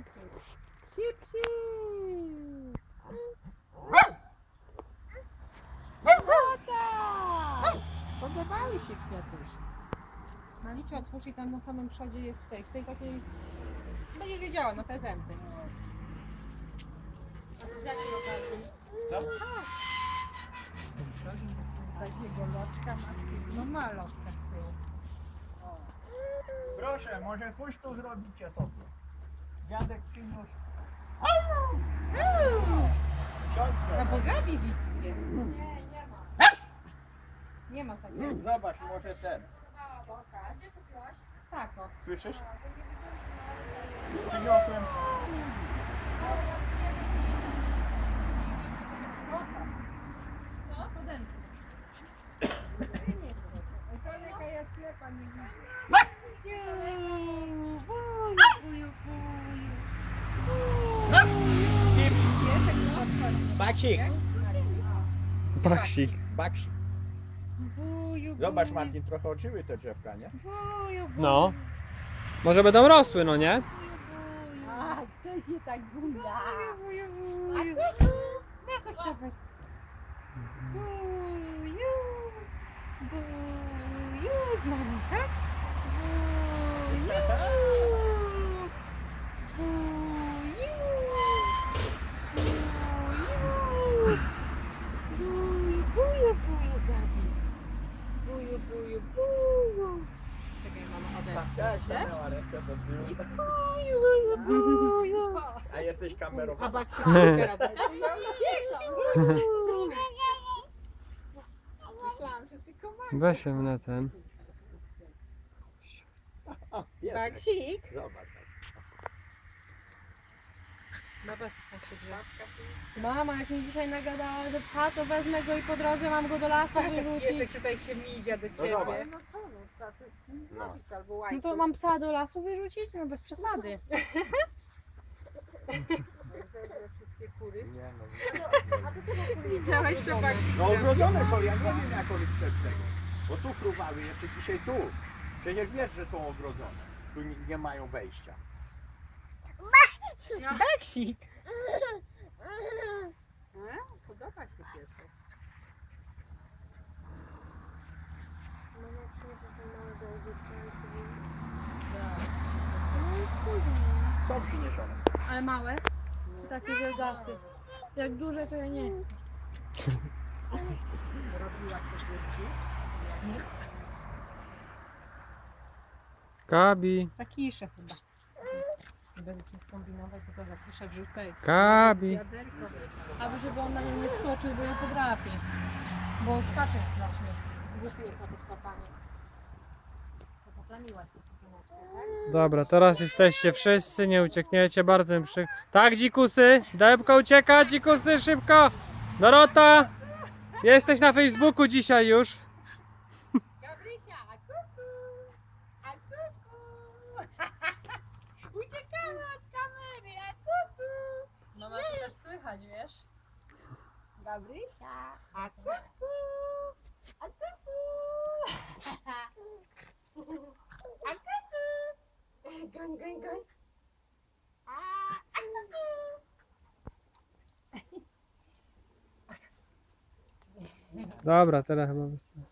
Sip, sip. Podobały się kwiatuszki. Malicie, otwórz i tam na samym przodzie jest w tej takiej... Będziesz wiedziała, na prezenty. A to z jakiej okazji? Takiego loczka ma z tyłu. No ma loczkę z tyłu. Proszę, może puszczą zrobicie sobie. Dziadek przyniósł. Na Siądźcie. Bogawi widz jest. Nie ma. Nie ma takiego. Zobacz, może ten. Tak o. Słyszysz? Przyniosłem. Jaka ja ślepa nie widzę. Baksik. Baksik. Baksik. Zobacz, Martin, trochę oczyły te drzewka, nie? No. Może będą rosły, no nie? A, kto się tak buja? Jakoś tak weź. Buju z mamą, tak? Czekaj, mama, odetnę się. Miała ręce do tyłu. A jesteś A kamerowany. babcia robi. Myślałam, że tylko ma. Weź się na ten. Baksik. Zobacz. Baba coś tak się drze. Mama, jak mi dzisiaj nagadała, że psa, to wezmę go i po drodze mam go do lasu wyrzucić. tutaj się mizia do ciebie. zobacz. No co, no trzeba coś z nim No. zrobić albo No łańcuch. to mam psa do lasu wyrzucić? No bez przesady. Zebrę wszystkie kury. Nie, no. Widziałaś co Baksik No ogrodzone są, ja nie wiem jak one przed tego. Bo tu fruwały, jeszcze dzisiaj tu. Przecież wiesz, że są ogrodzone. Tu nie mają wejścia. Baksik! Podoba się piesek. Są przyniesione. Ale małe? Takie wielgasy. Jak duże to ja nie chcę. Robiła się dzieci. Gabi. Zakiszę chyba. Nie będę tu kombinować, bo to zakiszę wrzucę. Gabi. Wiaderko. Aby żeby on na nią nie skoczył, bo ją podrapie. Bo on skacze strasznie. Głupi jest na to skakanie. To poplamiła się cukiereczkę, tak? Dobra, teraz jesteście wszyscy, nie uciekniecie, bardzo mi przy... Tak, dzikusy! Debka ucieka, dzikusy, szybko! Dorota! Jesteś na Facebooku dzisiaj już. Gabrysia, a kuku! A kuku! Uciekamy od kamery, a kuku! Mama to też słychać, wiesz? Gabrysia, a kuku! A kuku! A kuku! Goń, goń, goń! A kuku! Dobra, teraz chyba wystarczy.